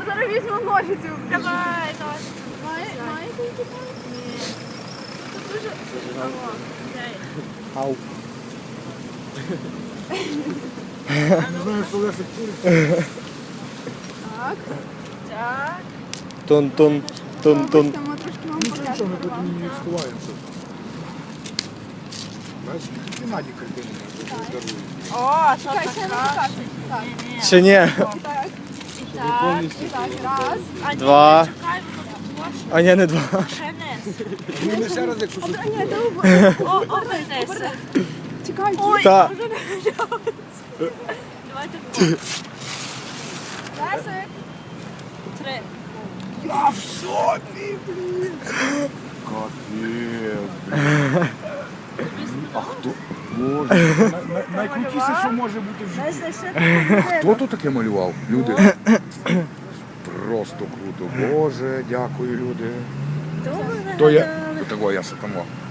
зараз візьму ножицю. Давай, давай. Маєте які? Ні. Це дуже... Алло, дай. Ау. Не знаю, що Лесик курить. Так. Так. Тун-тун, тун-тун. Там трошки вам Нічого, нічого, ми тут покажемо. не сховаємося. Знаєш, Геннадій картини дарує. О, що Чекай, ще не така? покажу. Так. Ні-ні. Ще ні. Так. Так. Так, раз. А ні, Два. чекай, воно також. А ні, не два. Ще не. Ну, не ще раз, якщо щось. Ні, добре. О, обернися. Чекайте. Ой, Та. вже не вжалося. Давайте двоє. Лесик. 3. Я в шоці, блін. Капець, блін. А хто? Боже, найкрутіше, що може бути в житті. Хто тут таке малював? Люди. Просто круто. Боже, дякую, люди. То я, того я ще тому.